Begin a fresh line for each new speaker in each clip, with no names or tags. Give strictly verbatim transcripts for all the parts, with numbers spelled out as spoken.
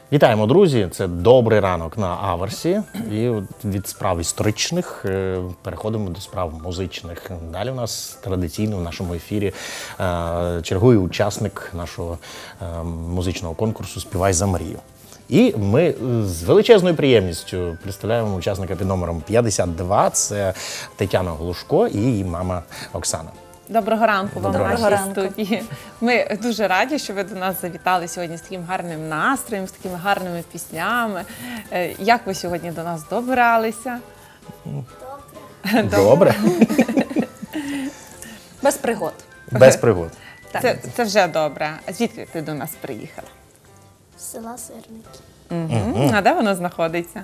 Вітаємо, друзі! Це добрий ранок на Аверсі. І від справ історичних переходимо до справ музичних. Далі у нас традиційно в нашому ефірі чергує учасник нашого музичного конкурсу «Співай за мрію». І ми з величезною приємністю представляємо учасника під номером п'ятдесят два. Це Тетяна Глушко і її мама Оксана.
Доброго ранку вам в
Доброго
нашій
ранку.
студії. Ми дуже раді, що ви до нас завітали сьогодні з таким гарним настроєм, з такими гарними піснями. Е, Як ви сьогодні до нас добралися?
Добре. Добре.
Без пригод.
Без пригод.
Так.
Це, це вже добре. А звідки ти до нас приїхала?
З села Сирники.
Угу. А де воно знаходиться?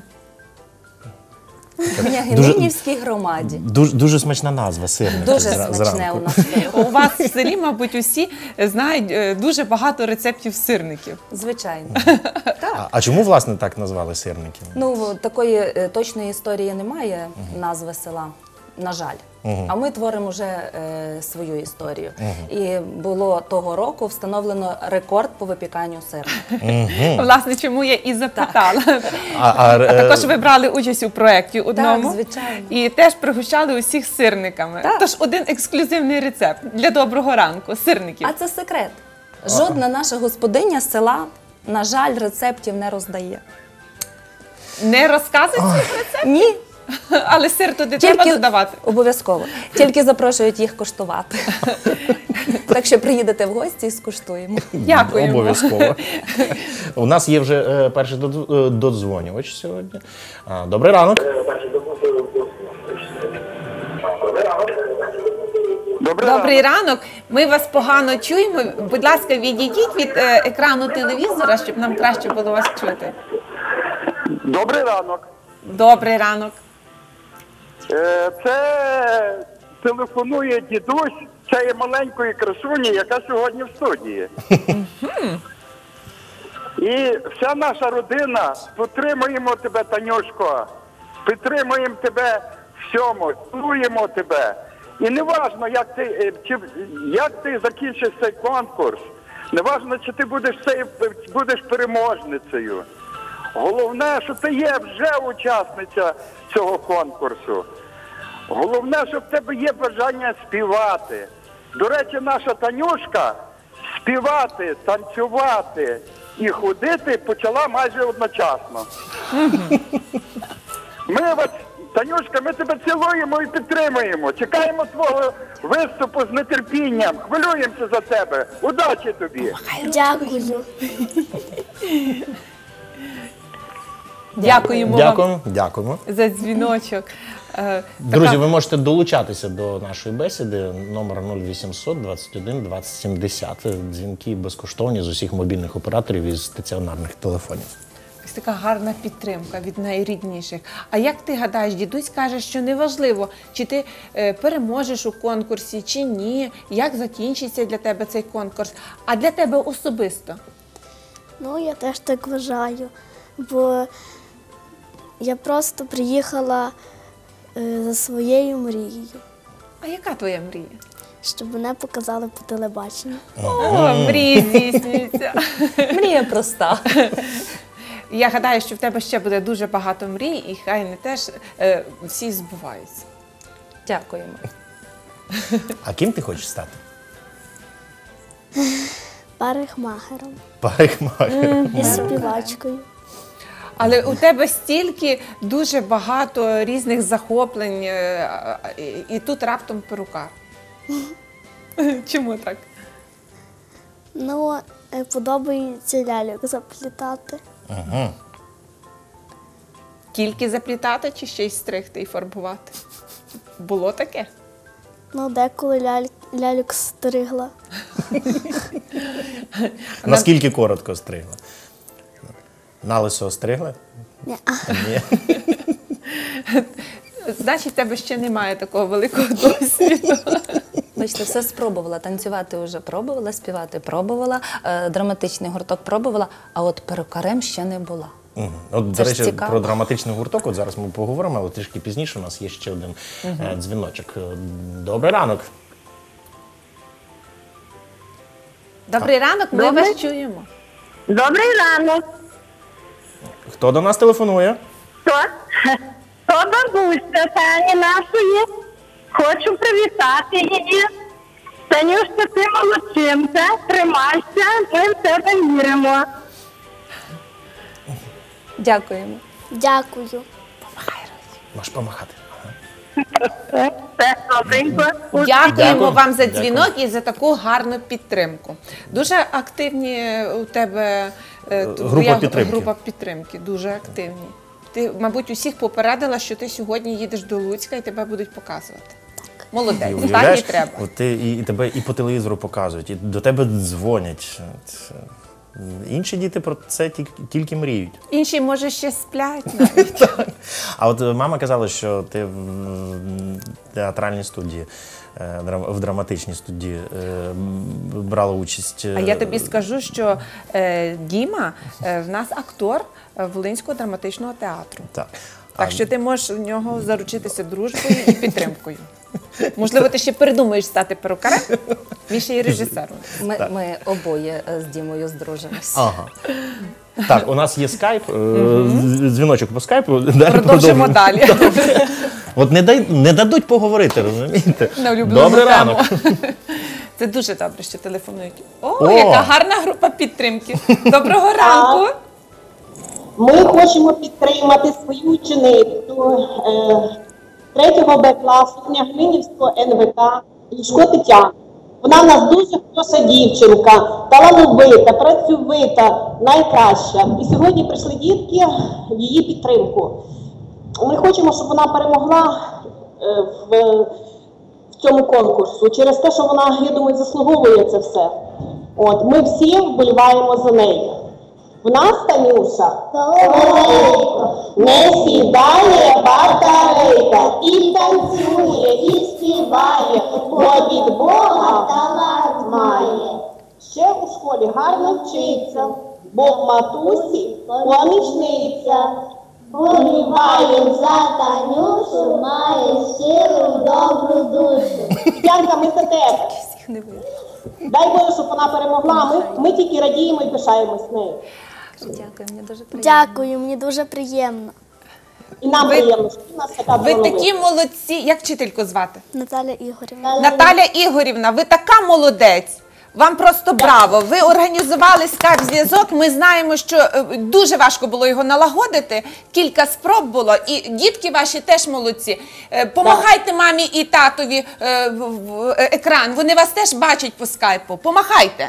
В Княгининівській громаді.
Дуже, дуже смачна назва, сирник.
Дуже
зра-
смачне
зранку.
у нас.
У вас в селі, мабуть, усі знають е, дуже багато рецептів сирників.
Звичайно.
А, а чому, власне, так назвали сирники?
Ну, такої е, точної історії немає, назви села, на жаль. А ми творимо вже е, свою історію. І було того року встановлено рекорд по випіканню сирника.
Власне, чому я і запитала.
А, а,
А
е,
також ви брали участь у проєкті одному.
звичайно.
І теж пригощали усіх сирниками.
Так.
Тож один ексклюзивний рецепт для доброго ранку – сирників.
А це секрет. Жодна наша господиня з села, на жаль, рецептів не роздає.
Не розказують цих рецептів,
Ні.
але сир туди треба додавати.
Обов'язково. Тільки запрошують їх коштувати. Так що приїдете в гості і скуштуємо.
Дякуємо.
Обов'язково. У нас є вже е, перший додз- е, додзвонювач сьогодні. А, Добрий ранок.
Добрий
Добрий
ранок.
ранок. Ми вас погано чуємо. Будь ласка, відійдіть від е, екрану телевізора, щоб нам краще було вас чути.
Добрий ранок.
Добрий ранок.
Е, Це телефонує дідусь цієї маленької красуні, яка сьогодні в студії. І вся наша родина, підтримуємо тебе, Танюшко, підтримуємо тебе всьому, цілуємо тебе. І не важно, як ти, е, чи, як ти закінчиш цей конкурс, не важно, чи ти будеш, цей, будеш переможницею. Головне, що ти є вже учасниця цього конкурсу. Головне, що в тебе є бажання співати. До речі, наша Танюшка співати, танцювати і ходити почала майже одночасно. Ми вас, Танюшка, ми тебе цілуємо і підтримуємо. Чекаємо твого виступу з нетерпінням. Хвилюємося за тебе. Удачі тобі!
Дякую.
Дякуємо вам
Дякуємо. Дякуємо.
за дзвіночок. Е,
Друзі,
така-
ви можете долучатися до нашої бесіди. Номер нуль вісімсот двадцять один двадцять сімдесят. Дзвінки безкоштовні з усіх мобільних операторів і з стаціонарних телефонів.
Ось така гарна підтримка від найрідніших. А як ти гадаєш, дідусь каже, що неважливо, чи ти е, переможеш у конкурсі, чи ні, як закінчиться для тебе цей конкурс, а для тебе особисто?
Ну, я теж так вважаю, бо я просто приїхала е, за своєю мрією,
А яка твоя мрія?
щоб мене показали по телебаченню.
О, мрії здійснюються.
Мрія проста.
Я гадаю, що в тебе ще буде дуже багато мрій, і хай не теж е, всі збуваються.
Дякуємо.
А ким ти хочеш стати?
Парикмахером
Парикмахером.
і співачкою.
Але у тебе стільки дуже багато різних захоплень, е, а, і, і тут раптом перукар. Чому так?
Ну, е, подобається ляльок заплітати.
Ага.
Тільки заплітати чи ще й стригти і фарбувати? Було таке?
Ну, деколи ляль... ляльок стригла.
Наскільки коротко стригла? На лисо стригла?
Ні.
Ні.
Значить, в тебе ще немає такого великого досвіду.
Бачите, все спробувала. Танцювати вже пробувала, співати пробувала, е, драматичний гурток пробувала, а от перукарем ще не була.
Мгм. От,
Це
до
ж
речі,
цікаво.
про драматичний гурток, от зараз ми поговоримо, але трішки пізніше у нас є ще один е, дзвіночок. Е, Добрий ранок.
Добрий ранок, ми
Добрий.
вас чуємо.
Добрий ранок.
Хто до нас телефонує?
То, то бабуся Тані нашої. Хочу привітати її. Танюшка, ти молодчинка, тримайся, ми в тебе віримо.
Дякуємо.
Дякую.
Можеш помахати.
Все, все добренько.
Дякуємо
Дякую.
вам за
Дякую.
дзвінок і за таку гарну підтримку. Дуже активні у тебе е,
Група
твоя
підтримки.
група підтримки. Дуже активні. Ти, мабуть, усіх попередила, що ти сьогодні їдеш до Луцька і тебе будуть показувати. Молодець, так і
Уявляєш,
треба.
от ти, і, і тебе і по телевізору показують, і до тебе дзвонять. От, е, інші діти про це тільки, тільки мріють.
Інші, може, ще сплять навіть.
А от е, мама казала, що ти в м, театральній студії, е, драм- в драматичній студії е, м, брала участь. е,
А я тобі скажу, що е, Діма е, в нас актор е, Волинського драматичного театру.
Так.
Так що ти можеш у нього заручитися дружбою і підтримкою. Можливо, ти ще передумаєш стати перукарем, він ще й режисером.
Ми, ми обоє е, з Дімою здружимося.
Ага. Так, у нас є скайп, е, дзвіночок по скайпу. Далі
Продовжимо далі.
От не, дай, не дадуть поговорити, розумієте?
На улюблену
Добрий
тему.
ранок.
Це дуже добре, що телефонують. О,
О!
яка гарна група підтримки. Доброго ранку.
Ми хочемо підтримати свою ученицю е, третього Б класу Княгинівського Ен В К Лішко Тетяну. Вона в нас дуже хороша дівчинка, талановита, працьовита, найкраща. І сьогодні прийшли дітки в її підтримку. Ми хочемо, щоб вона перемогла е, в, в цьому конкурсу через те, що вона, я думаю, заслуговує це все. От, ми всі вболіваємо за неї. У нас, Танюша, не сідає батарейка, і танцює, і співає, бо від Бога талант має. Ще у школі гарно вчиться, бо в матусі помічниця.
Боліваєм за Танюшу, має щиру добру душу.
Янка, ми за тебе. Дай Боже, щоб вона перемогла. Ми, ми тільки радіємо і пишаємось нею.
Дякую, мені дуже приємно.
Дякую, мені дуже приємно.
І нам
Ви-
приємно, що в нас така
Ви
талановита.
такі молодці. Як вчительку звати?
Наталя Ігорівна.
Наталя Ігорівна, ви така молодець. Вам просто браво. Ви організували скайп-зв'язок. Ми знаємо, що е, дуже важко було його налагодити. Кілька спроб було. І дітки ваші теж молодці. Е, Помагайте мамі і татові е, в, в е, екран. Вони вас теж бачать по скайпу. Помагайте.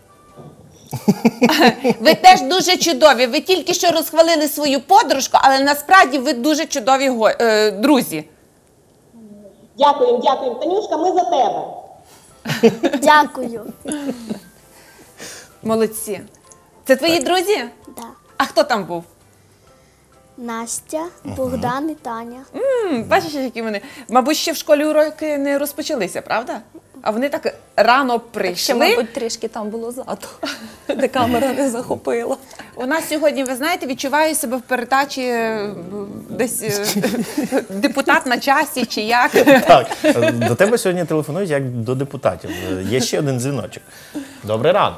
Ви теж дуже чудові. Ви тільки що розхвалили свою подружку, але насправді ви дуже чудові го- е, друзі.
Дякуємо, дякуємо. Танюшка, ми за тебе.
Дякую.
Молодці. Це твої друзі?
Да.
А хто там був?
Настя, Богдан і Таня.
М, Бачиш, які вони. Мабуть, ще в школі уроки не розпочалися, правда? А вони так рано
Ще,
прийшли.
мабуть, трішки там було ззаду, де камера не захопила.
У нас сьогодні, ви знаєте, відчуваю себе в передачі е, десь е, депутат на часі чи як.
Так, е, до тебе сьогодні телефонують як до депутатів. Е, Є ще один дзвіночок. Добрий ранок.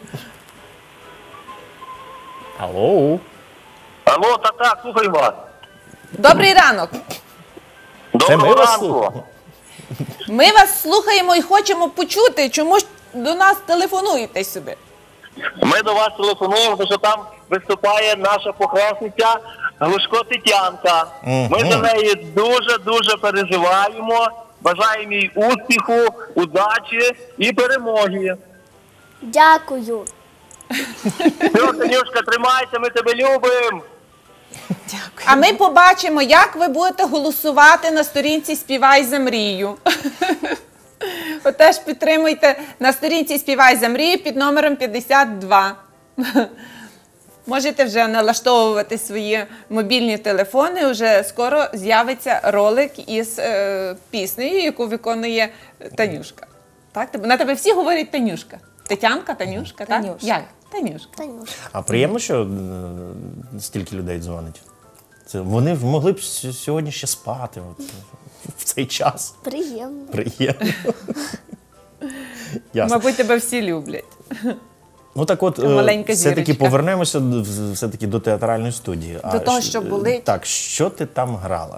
Алло.
Алло, так, так, слухаю вас.
Добрий ранок.
Це ми
Доброго
вас
ранку.
слухаємо.
Ми вас слухаємо і хочемо почути, чому ж до нас телефонуєте сюди.
Ми до вас телефонуємо, тому що там виступає наша похресниця Глушко Тетянка. Ми за неї дуже-дуже переживаємо. Бажаємо їй успіху, удачі і перемоги.
Дякую.
Все, Танюшка, тримайся, ми тебе любимо.
А ми побачимо, як ви будете голосувати на сторінці «Співай за мрію». Отеж підтримуйте на сторінці «Співай за мрію» під номером п'ятдесят два. Можете вже налаштовувати свої мобільні телефони, вже скоро з'явиться ролик із е, піснею, яку виконує Танюшка. Так? На тебе всі говорять Танюшка. Тетянка, Танюшка, так?
Танюш.
Як? Танюшка.
Танюша.
А приємно, що е, стільки людей дзвонить. Це вони в- могли б с- сьогодні ще спати от, в цей час.
Приємно.
Приємно. Ясно.
Мабуть, тебе всі люблять.
Ну так от,
Така маленька
е, все-таки
зірочка.
повернемося до- все-таки до театральної студії.
До того,
щ-
що болить.
Так, що ти там грала?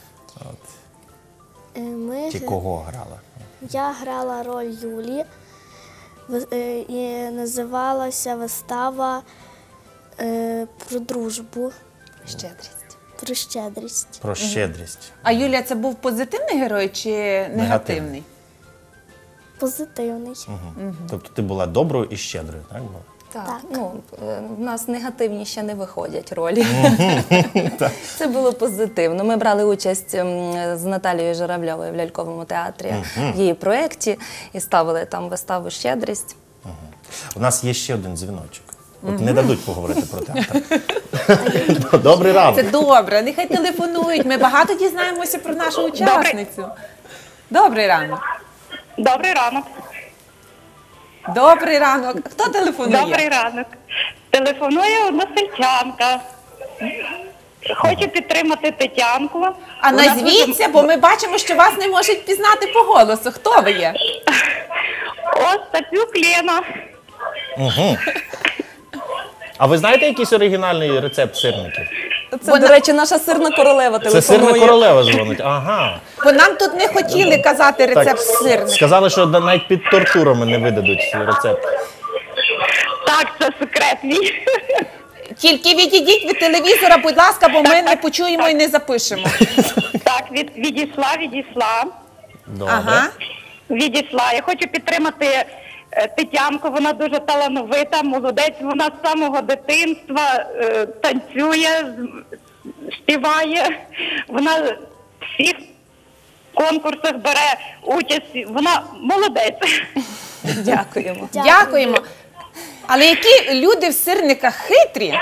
Е, Ми,
Чи кого грала?
я грала роль Юлі, ви- е, і називалася вистава е, про дружбу,
Щедрість.
про щедрість.
Про щедрість.
А Юлія, це був позитивний герой чи негативний?
Позитивний.
Угу. Тобто ти була доброю і щедрою, так? була?
Так,
Так.
ну е, в нас негативні ще не виходять ролі. Це було позитивно. Ми брали участь ем, з Наталією Журавльовою в ляльковому театрі в її проєкті і ставили там виставу «Щедрість».
У нас є ще один дзвіночок. От не дадуть поговорити про театр. Добрий ранок.
Це добре, нехай телефонують. Ми багато дізнаємося про нашу учасницю. Добрий ранок.
Добрий ранок.
Добрий ранок. Хто телефонує?
Добрий ранок. Телефонує односельчанка. Хочу підтримати Тетянку.
А
Вона
назвіться, бо ми бачимо, що вас не можуть пізнати по голосу. Хто ви є?
Остапюк Лена.
Угу. А ви знаєте якийсь оригінальний рецепт сирників?
Це, до речі, наша сирна королева
Це сирна
телефонує.
королева дзвонить. Ага.
Бо нам тут не хотіли казати рецепт сирника.
Сказали, що навіть під тортурами не видадуть рецепт.
Так, це секрет мій.
Тільки відійдіть від телевізора, будь ласка, бо ми не почуємо і не запишемо.
Так, від, відійшла, відійшла.
Добре.
Ага.
Відійшла. Я хочу підтримати е, Тетянку, вона дуже талановита, молодець, вона з самого дитинства е, танцює, з- співає, вона в всіх конкурсах бере участь, вона молодець.
Дякуємо.
Дякуємо. Але які люди в сирниках хитрі,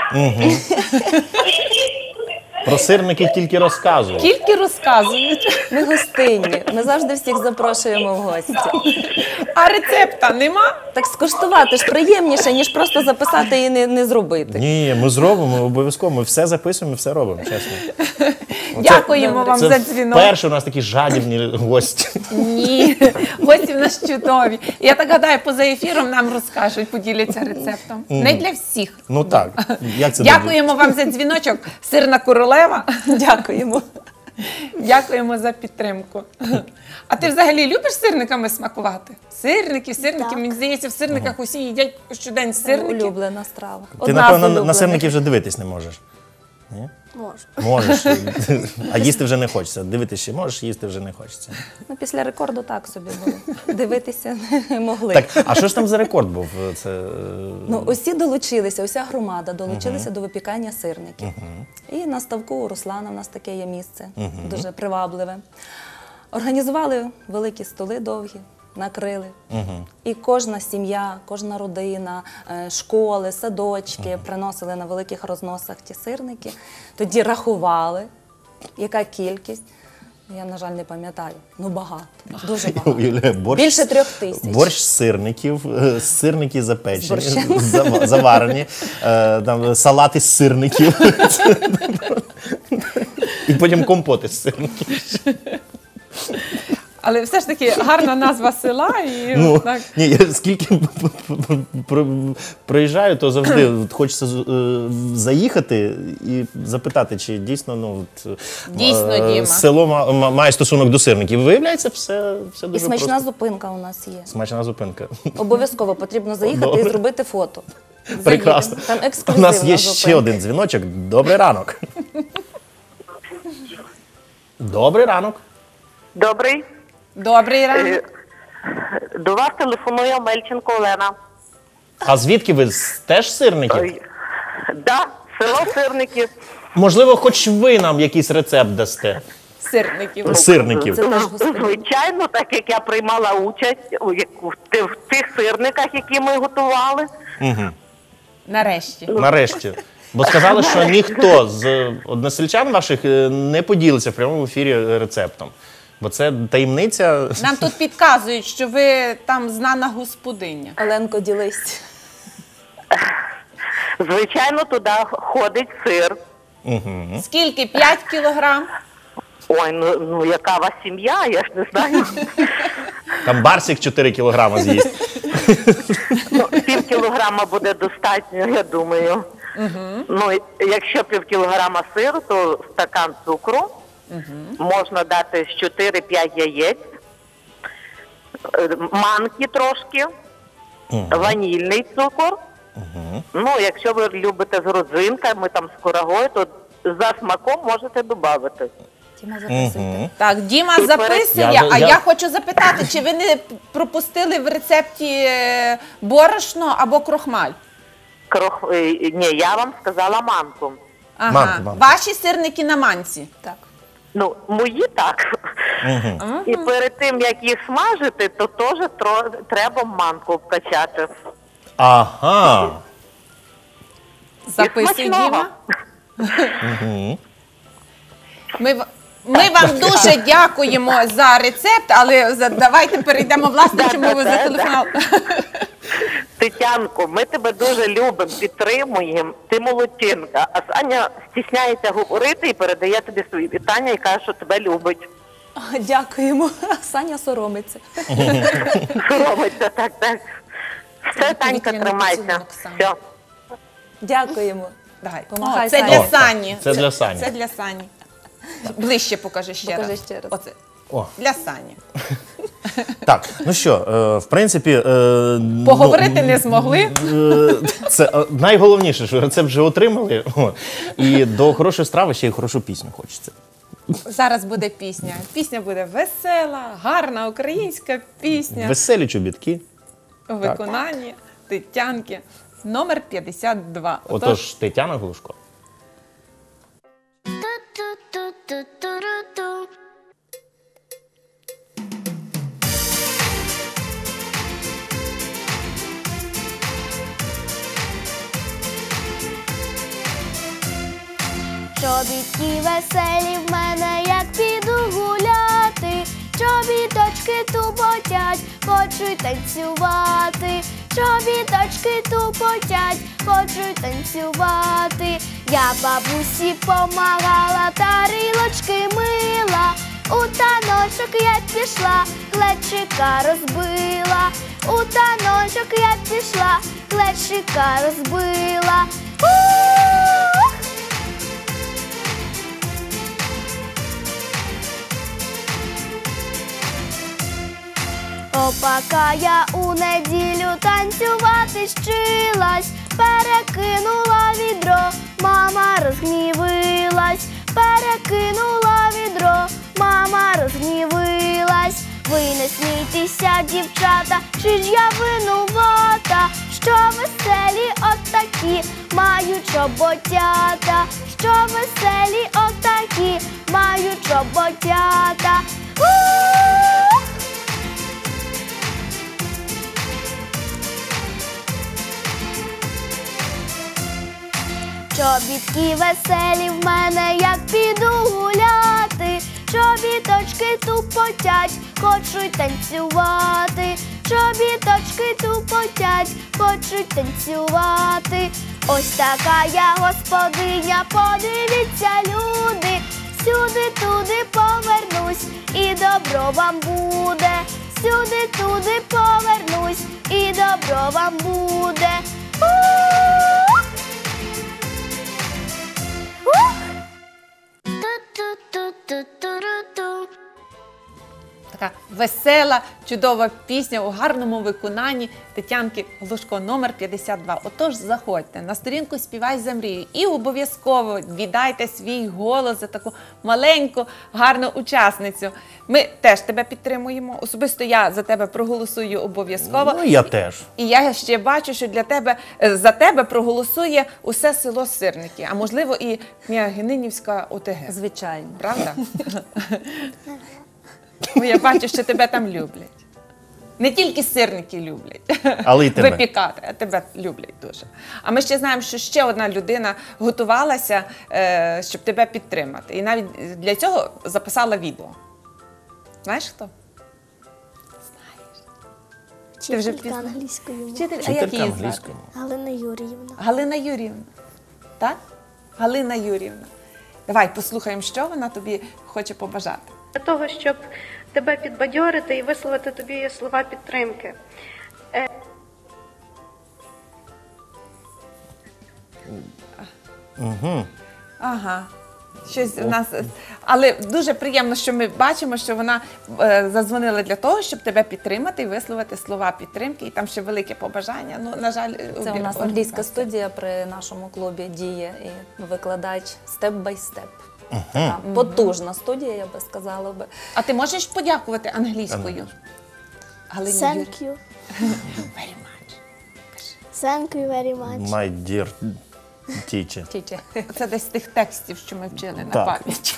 Про сирники тільки розказують.
тільки розказують.
Ми гостинні, ми завжди всіх запрошуємо в гості.
А рецепта нема?
Так скуштувати ж приємніше, ніж просто записати і не, не зробити.
Ні, ми зробимо обов'язково. Ми все записуємо, все робимо, чесно.
Дякуємо вам
Це
за дзвінок.
вперше у нас такі жадібні гості.
Ні, гості в нас чудові. Я так гадаю, поза ефіром нам розкажуть, поділяться рецептом. Не для всіх.
Ну так, як це
Дякуємо вам за дзвіночок. Сирна королева.
Дякуємо.
Дякуємо за підтримку. А ти взагалі любиш сирниками смакувати? Сирники, сирники.
Так.
Мені здається, в сирниках усі їдять щодень сирники.
Улюблена страва.
Ти,
Одна з
напевно, на
улюблених.
сирників вже дивитись не можеш. Ні?
Можу.
Можеш, а їсти вже не хочеться. Дивитися ще можеш, їсти вже не хочеться.
Ну, після рекорду так собі було. Дивитися не могли.
Так, а що ж там за рекорд був? Це е,
Ну, усі долучилися, уся громада долучилися до випікання сирників. І на ставку у Руслана в нас таке є місце, дуже привабливе. Організували великі столи довгі, накрили. І кожна сім'я, кожна родина, е, школи, садочки приносили на великих розносах ті сирники. Тоді рахували, яка кількість. Я, на жаль, не пам'ятаю. Ну, багато, дуже багато.
уявляю, борщ,
Більше трьох тисяч.
борщ з сирників, е, сирники запечені,
З борщем.
зава- заварені, е, там, салати з сирників. І потім компоти з сирників.
Але все ж таки гарна назва села і
Ну,
так.
ні, я скільки про- проїжджаю, то завжди от хочеться е, заїхати і запитати, чи дійсно ну, от,
Дійсно,
е,
Діма.
село ма- ма- має стосунок до сирників. Виявляється, все, все
І
дуже
смачна
просто.
зупинка у нас є.
Смачна зупинка.
Обов'язково потрібно заїхати
Добре.
і зробити фото.
Прекрасно.
Там
У
ексклюзивна
нас є ще
зупинка.
один дзвіночок. Добрий ранок. Добрий ранок.
Добрий.
Добрий ранок.
До вас телефонує Мельченко Олена.
А звідки ви? З- Теж з сирників?
Да, село Сирників.
Можливо, хоч ви нам якийсь рецепт дасте?
Сирників.
Сирників.
Це теж господи.
Звичайно, так як я приймала участь у яку- в ти- в тих сирниках, які ми готували.
Нарешті.
Нарешті. Бо сказали, що ніхто з односельчан ваших е, не поділиться в прямому ефірі рецептом. Бо це таємниця.
Нам тут підказують, що ви там знана господиня.
Оленко, ділись.
Звичайно, туди ходить сир.
Скільки? П'ять кілограм?
Ой, ну, ну яка у вас сім'я, я ж не знаю.
Там барсик чотири кілограми з'їсть.
Ну, пів кілограма
кілограма буде достатньо, я думаю. Угу. Ну, якщо пів кілограма сиру, то стакан цукру. Угу. Можна дати з чотири-п'ять яєць, манки трошки, угу. ванільний цукор. Угу. Ну, якщо ви любите з родзинками, там з курагою, то за смаком можете додати.
Діма записуйте.
Угу. Так, Діма записує,
я,
а
я...
я хочу запитати, чи ви не пропустили в рецепті борошно або крохмаль?
Крох... Ні, я вам сказала манку.
Ага,
манку, манку.
Ваші сирники на манці?
Так.
Ну, мої так. Угу. І перед тим, як їх смажити, то теж тро... треба манку вкачати.
Ага.
Записуй, Діма. Угу. Ми, ми вам дуже дякуємо за рецепт, але за, давайте перейдемо, власне, чому ви зателефонували.
Тетянко, ми тебе дуже любимо, підтримуємо, ти молодчинка. А Саня стісняється говорити і передає тобі свої вітання і каже, що тебе любить.
Дякуємо. Саня соромиться.
Соромиться, так, так. Все, Танька, тримайся. Все.
Дякуємо.
Давай.
Помагай,
О, це
Сані.
для Сані.
Це для Сані.
Це для Сані. Ближче покажи ще
Покажи
раз.
ще раз.
Оце.
О.
Для Сані.
Так, ну що, е, в принципі... Е,
Поговорити
ну,
не змогли.
Е, це е, найголовніше, що рецепт вже отримали. О, і до хорошої страви ще й хорошу пісню хочеться.
Зараз буде пісня. Пісня буде весела, гарна українська пісня.
Веселі чобітки.
У виконанні Тетянки. Номер п'ятдесят два.
Отож, Тетяна Глушко.
Чобітки веселі в мене, як піду гуляти, чобіточки тупотять, хочуть танцювати, чобіточки тупотять, хочуть танцювати. Я бабусі помагала, тарілочки мила, у таночок я пішла, глечика розбила, у таночок я пішла, глечика розбила. У-у-у! Опака я у неділю танцювати щилась, перекинула відро, мама розгнівилась, перекинула відро, мама розгнівилась. Ви не смійтеся, дівчата, чи ж я винувата, що веселі отакі мають чоботята, що веселі отакі мають чоботята. У-у-у! Чобітки веселі в мене, як піду гуляти, чобіточки тупотять, хочуть танцювати, чобіточки тупотять, хочуть танцювати. Ось така я господиня, подивіться, люди, сюди-туди повернусь, і добро вам буде, сюди-туди повернусь, і добро вам буде. У-у-у!
Така весела, чудова пісня у гарному виконанні Тетянки Глушко, номер п'ятдесят два. Отож, заходьте на сторінку «Співай за мрію» і обов'язково віддайте свій голос за таку маленьку, гарну учасницю. Ми теж тебе підтримуємо. Особисто я за тебе проголосую обов'язково.
Ну, я теж.
І я ще бачу, що для тебе, за тебе проголосує усе село Сирники, а можливо і Княгининівська ОТГ.
Звичайно.
Правда? Бо я бачу, що тебе там люблять. Не тільки сирники люблять,
але й тебе.
Випікати, а тебе люблять дуже. А ми ще знаємо, що ще одна людина готувалася, щоб тебе підтримати. І навіть для цього записала відео. Знаєш хто?
Вчителька англійської мови.
Вчитель, а
Вчителька
як її звати?
англійської мови.
Галина Юріївна.
Галина Юріївна. Так? Галина Юріївна. Давай послухаємо, що вона тобі хоче побажати.
Для того, щоб тебе підбадьорити і висловити тобі слова підтримки.
Угу.
Ага. Щось у нас, але дуже приємно, що ми бачимо, що вона е, задзвонила для того, щоб тебе підтримати і висловити слова підтримки. І там ще велике побажання. Ну, на жаль,
Це у нас англійська студія при нашому клубі діє і викладач степ-бай-степ. Така потужна студія, я би сказала би.
А ти можеш подякувати англійською? Галині
Thank
Юріївні?
you.
Very much.
Thank you very much.
My dear teacher.
Тічі.
Це десь з тих текстів, що ми вчили на
Так.
пам'ять.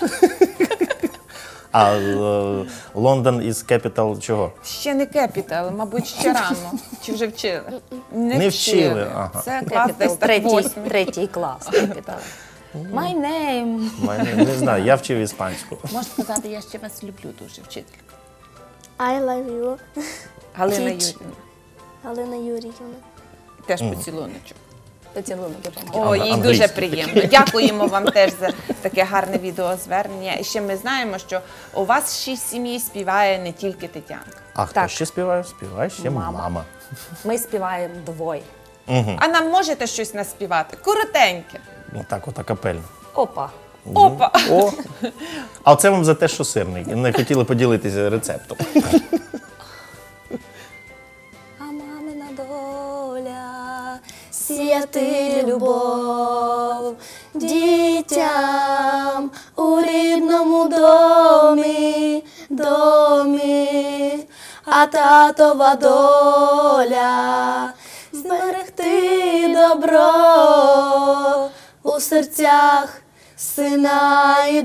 А е, Лондон із capital чого?
Ще не Capital, мабуть, ще рано. Чи вже вчили?
Не вчили, ага.
Це клас десь
Capital,
так
третій,
восьмий.
третій клас. Capital. My name.
Мене- Не знаю, я вчив іспанську.
Можеш сказати, я ще вас люблю дуже, вчителька.
I love you.
Галина
Тіч.
Юріївна.
Галина Юріївна.
Теж поцілуночок.
Поцілунок допомагає.
О,
Ан-
їй
англійською.
дуже приємно. Дякуємо вам теж за таке гарне відеозвернення. І ще ми знаємо, що у вас ще в сім'ї співає не тільки Тетянка.
А хто
Так.
ще співає? Співає ще
Мама.
мама.
Ми співаємо двоє.
А нам можете щось наспівати? Коротеньке.
Ну так, от акапельно.
Опа.
Опа!
О! А це вам за те, що сирник. Не хотіли поділитися рецептом.
А мамина доля сіяти любов дітям у рідному домі, домі, а татова доля зберегти добро у серцях сина і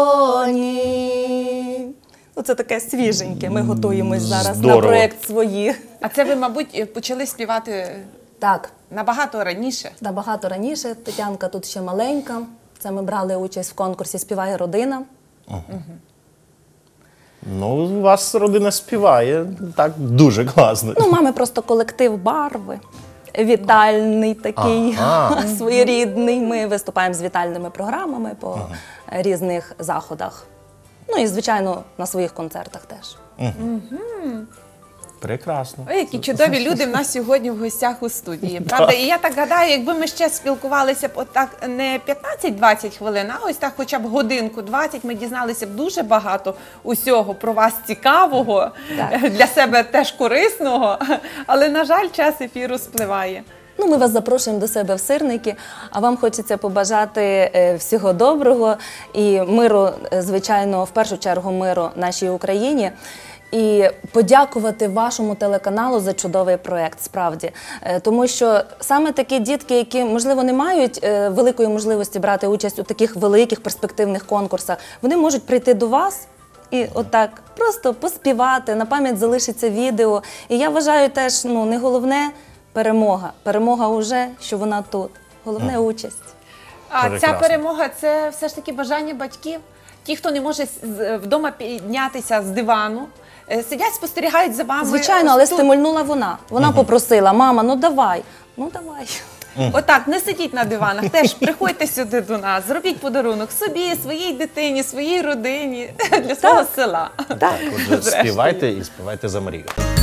доні. Оце таке свіженьке. Ми готуємось зараз на
Здорово.
проєкт свої.
А це ви, мабуть, почали співати
Так,
набагато раніше.
набагато раніше. Тетянка тут ще маленька. Це ми брали участь в конкурсі «Співає родина».
Ну, у вас родина співає так дуже класно.
Ну, у мами просто колектив «Барви». Вітальний такий,
Ага.
своєрідний. Ми виступаємо з вітальними програмами по різних заходах. Ну і, звичайно, на своїх концертах теж.
Прекрасно.
Ой, які чудові люди в нас сьогодні в гостях у студії. Правда? І я так гадаю, якби ми ще спілкувалися б отак не п'ятнадцять-двадцять хвилин, а ось так хоча б годинку двадцять, ми дізналися б дуже багато усього про вас цікавого,
Так.
для себе теж корисного, але, на жаль, час ефіру спливає.
Ну, ми вас запрошуємо до себе в Сирники, а вам хочеться побажати е, всього доброго і миру, е, звичайно, в першу чергу миру нашій Україні. І подякувати вашому телеканалу за чудовий проєкт, справді. Е, Тому що саме такі дітки, які, можливо, не мають е, великої можливості брати участь у таких великих перспективних конкурсах, вони можуть прийти до вас і отак просто поспівати, на пам'ять залишиться відео. І я вважаю теж, ну, не головне перемога. Перемога уже, що вона тут. Головне участь.
А ця
Прекрасно.
перемога – це все ж таки бажання батьків. Ті, хто не може з- вдома піднятися з дивану, е, сидять, спостерігають за вами.
Звичайно, але
ось тут.
стимульнула вона. Вона попросила: мама, ну давай, ну давай.
Отак, не сидіть на диванах, теж приходьте сюди до нас, зробіть подарунок собі, своїй дитині, своїй родині, для свого села.
Отже, співайте і співайте за мрію.